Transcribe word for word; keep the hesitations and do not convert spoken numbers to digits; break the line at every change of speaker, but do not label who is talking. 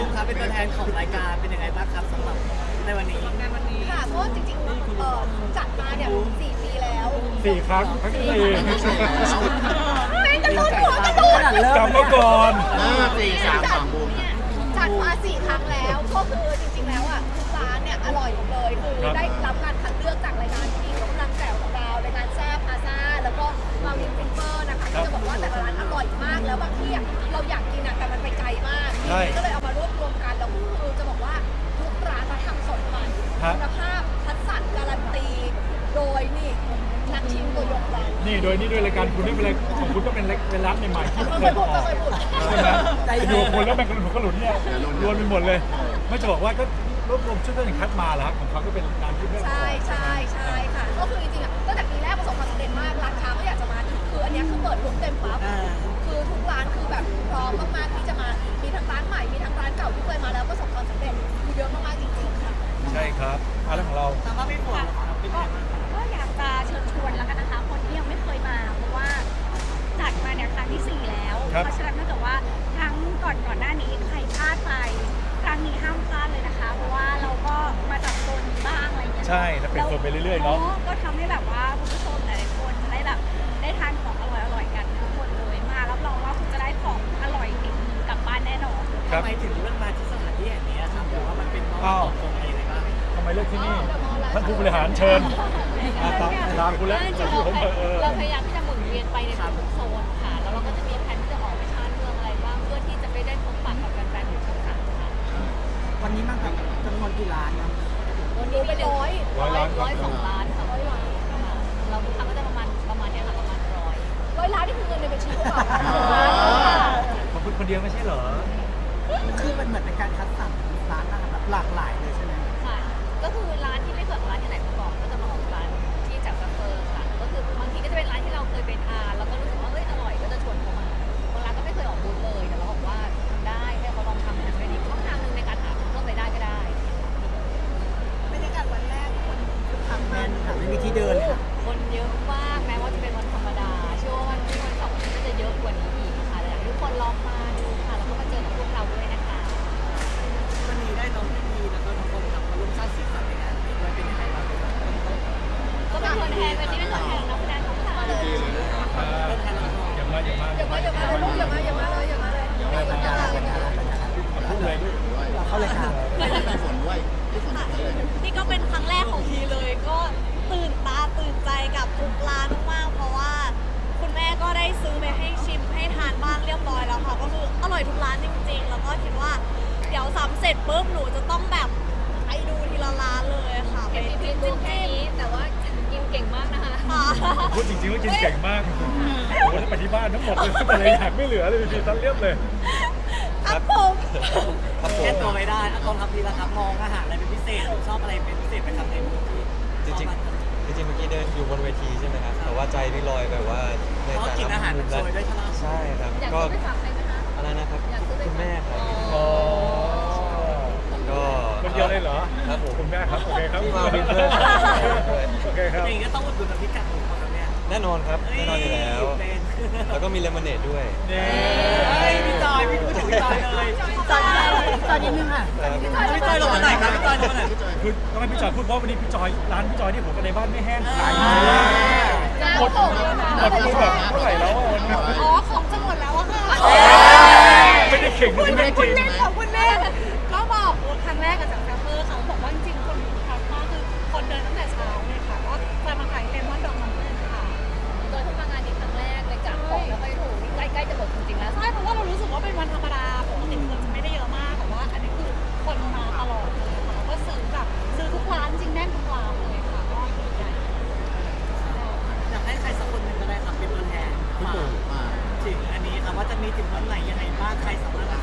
มครับเป็นตัวแทนของรายการเป็นยังไงบ้างครับสำหรับในวันนี้ในวันนี้
ค่ะก็จริงๆเอ่อจัดมาเนี่ยสี่ปีแล้ว
สี่ครั้งทั้งสี่
ไม่กระโดดหัวกระโดด
กลับมาก่อน
ห้าสี่สามสองบูม
จัดมาสี่ครั้งแล้วก็คือจริงๆแล้วอ่ะทุกร้านเนี่ยอร่อยหมดเลยคือได้รับการคัดเลือกจากรายการที่กำลังแจ๋วของเรารายการแซ่บพาซ่าแล้วก็มาวินฟินเฟอร์นะคะก็จะบอกว่าแต่ละร้านอร่อยมากแล้วบางที่อ่ะเราอยากกินอ่ะแต่มันไปไกลมากก็เลยเอามารวบรวมกันแล้วคือจะบอกว่าทุกร้านเขาทำสดใหม่คุณภาพคัดสรรการันตีโดยนี่นักชิมตัวยงเรา
นี่โดยนี่ด้วยรายการคุณนี่เป็นอะไรของคุณก็เป็นเป็นร้านใหม่ๆที่
ไม่
เค
เค
ย
ย
อ
พูด
อก
ไม่เคยพูด
ใช่ไหมอยู่คนแล้วแบ่งกันหนุนกระหลุนเนี่ยรวนไปหมดเลยไม่จะบอกว่าก็รวบรวมชุดเรื่องคัดมาแล้วของเขาก็เป็นร้านที่เรื่อง
ใช่ใช่ใช่ค่ะก็คือจริงๆอ่ะตั้งแต่ปีแรกประสบความสำเร็จมากร้านค้าก็อยากจะมาคืออันเนี้ยคือเปิดรุ่มเต็มปั๊บคือทุกร้านคือแบบพร้อมมากๆที่จะมามีทั้งร้านใหม่มีทั้งร้านเก่าที่เคยมาแล้วประสบความสำเร็จคือเยอะมากๆจริงๆค่ะ
ใช่ครับอะไรของเรา
สำหรับพี่ฝนครับเป็นยังไงบ้าง
ก็อยากจะเชิญชวนแล้วกันนะคะคนที่ยังไม่เคยมาเพราะว่าจัดมาเนี่ยครั้งที่สี่แล้ว เพราะฉะนั้นถ้าเกิดว่าครั้งก่อนก่อนหน้านี้ใครพลาดไปครั้งนี้ห้ามพลาดเลยนะคะ เพราะว่าเราก็มาจับโซนนี้บ้างอะไรอย่างเงี้ย
ใช่แล้วเป็นโซนไปเรื่อยๆเนาะ
ก็ทำให้แบบว่าคุณผู้ชมหลายๆคนได้แบบได้ทานของอร่อยๆกันทุกคนเลยมารับรองว่าคุณจะได้ของอร่อยติดมือกลับบ้านแน่นอน
ครับ
ทำไมถึงเลือกมาที่สถานที่แห่งนี้ครับหรือว่ามันเป็นเพราะว่าตอบตรงอะไรยังไงบ้าง
ทำไมเลือกที่นี่ท่านผู้บริหารเชิญตามคุณแล้วจากที่ผมเออ
เราพยายามที่จะหมุนเวียนไปในทุกโซนค่ะ แล้วเราก็จะมีแผนที่จะออกไปชาร์จเมืองอะไรบ้างเพื่อที่จะไปได้พบปะกับแฟนๆของช่องสามค่ะ
วันนี้มันแบบจำนวนกี่ร้านนะ
วันนี้เป็นร้อย
ร้อยล้าน
ร้อยสองล้านค่ะร้อยล้านค่ะเราทุกครั้งก็จะประมาณประมาณเนี้ยค่ะประมาณร้อย
ร้อยล้านนี่คือเงินในบัญชีหรือเปล่า
ของคุณคนเดียวไม่ใช่เหรอ
คือมันเหมือนเป็นการคัดสรรร้านอาหารแบบหลากหลายเลยใช่ไหม
ค่ะ ก็คือร้านที่ไม่เคยออกร้านที่ไหนมาก่อนก็จะมาออกร้านที่จากซัฟเฟอร์ค่ะ ก็คือบางทีก็จะเป็นร้านที่เราเคยไปทานแล้วก็รู้สึกว่าเอ้ยอร่อยก็จะชวนเขามาบางร้านก็ไม่เคยออกบูธเลยแต่เราบอกว่าทำได้ให้เขาลองทำมันเป็นอีกช่องทางหนึ่งในการหาเพิ่มรายได้ก็ได้
บรรยากาศวันแรกคนคึกคัก
แม
มาก
นค่ะไม่มีที่เดินเลยค่ะ
คนเยอะมากแม้ว่าจะเป็นวันธรรมดาเชื่อว่าวันที่วันเสาร์ก็จะเยอะกว่านี้อีกค่ะแต่อยากให้ทุกคนลองมาดูค่ะแล้วก็มาเจอกับพวกเราด้วยนะคะ
วันนี้ได้น้องพี่พีแล้วก็น้องคนขับมาร่วมสร้างสีสันในงานนี้ด้วยเป็นยังไงบ้าง
ก็เป็นคนแทนวันนี้เป็นตัวแทนนักแสดงของเราเลย
เป็นแทนเรา
อย่ามาอย่ามา
อย่ามาอย่ามาเลยลูกอย่ามาอย่ามาเลยอย่ามาเลยอย่ามาอย่ามาอย่ามา
พูดเลยด้วย
เข้ารายการ
พี่ฝนด้วยพี่ฝนด้วย
นี่ก็เป็นครั้งแรกของทีเลยก็ตื่นตาตื่นใจกับทุกร้านมากๆเพราะว่าคุณแม่ก็ได้ซื้อไปให้ชิมให้ทานบ้างเรียบร้อยแล้วค่ะก็คืออร่อยทุกร้านจริงๆ แล้วก็คิดว่าเดี๋ยวซ้ำเสร็จปุ๊บหนูจะต้องแบบไปดูทีละร้านเลยค่ะไป
เห็นพี่พี
จิ้
พู
ม
ดแค่
จิ้ม
นี้แต่ว่ากินเก่งมากนะคะ
ค่ะ
พูดจริงๆว่ากินเก่งมากโอ้โหถ้าไปที่บ้านทั้งหมดเลยแต่ละอย่างไม่เหลือเลยพี่ตันเรียบเลย
ครับผม
แค่ตัวไม่ได้อะตอนทำพีละครับมองอาหารอะไรเป็นพิเศษหรือชอบอะไรเป็นพิเศษไปทำในมือที่
จริงๆจริงๆเมื่อกี้เดินอยู่บนเวทีใช่ไหมครับ แต่ว่าใจนี่ลอยแบบว่าใน
เพราะ
แต่
กินอา
ละ
หาร
มุ
มัน
ม
โช
และ
ยด้วยใช่ไหม
ใช่ครับ
อยาก
ก็
ซื้อไปฝากใครไหมคะ
อะไรนะครับ
อยากซื้อไป
คุณ
ฝาก
แม่ครับ
อ๋อ
ก็
คนเดียวเลยเหรอ
ครับผม
คุณแม่ครับโอเคครับ
พี่มาวินเพื่อนด้วย
โอเคครับ
อย่างนี้ก็ต้องอุดหนุนน้ำพริกกากหมูครับเนี่ย
แน่นอนครับแน่นอนอยู่แล้ว
เป็น
แล้วก็มีเลมอนเนดด้วย
นี่
เฮ้ยพี่จอยพี่พูดถึงพี่จอยเลยจอยจอยนิดนึงค่ะ
ครับ
พี่จอยลงมาไหนครับพี่จอยลงมาไหน
คือต้องให้พี่จอยพูดเพราะวันนี้พี่จอยร้านพี่จอยที่ผมกับในบ้านไม่แห้งขาย
จ้า
หมด
ผมเลยนะ
หมดไปแบบเท่าไหร่แล้วอะวันนี้
อ๋อของจะหมดแล้วอะค่ะ
ไม่ได้เข่งไม่ได้จริง
ขอบคุณแม่ก็บอกครั้งแรกกับจากแซมเปอร์เขาบอกว่าจริงๆคนทักมากคือคนเดินตั้งแต่เช้าเลยค่ะก็จะมาขายเลมอนดองน้ำผึ้งค่ะ
โดยที่มางานนี้ครั้งแรกเลยจากของแล้วค่อยถูกนี่ใกล้ๆจะหมดจริงๆแล้ว
ใช่เพราะว่าเรารู้สึกว่าเป็นวันธรรมดาปกติคนจะไม่ได้เยอะมากแต่ว่าอันนี้คือคนมาตลอดเลยค่ะแล้วก็ซื้อแบบซื้อทุกร้านจริงแน่นทุกร้านเลยค่ะก็ดีใจ
อยากให้ใครสักคนหนึ่งก็ได้ครับเป็นตัวแทนมา
มา
ถึงอันนี้ครับว่าจะมีถึงวันไหนยังไงบ้างใครสามารถ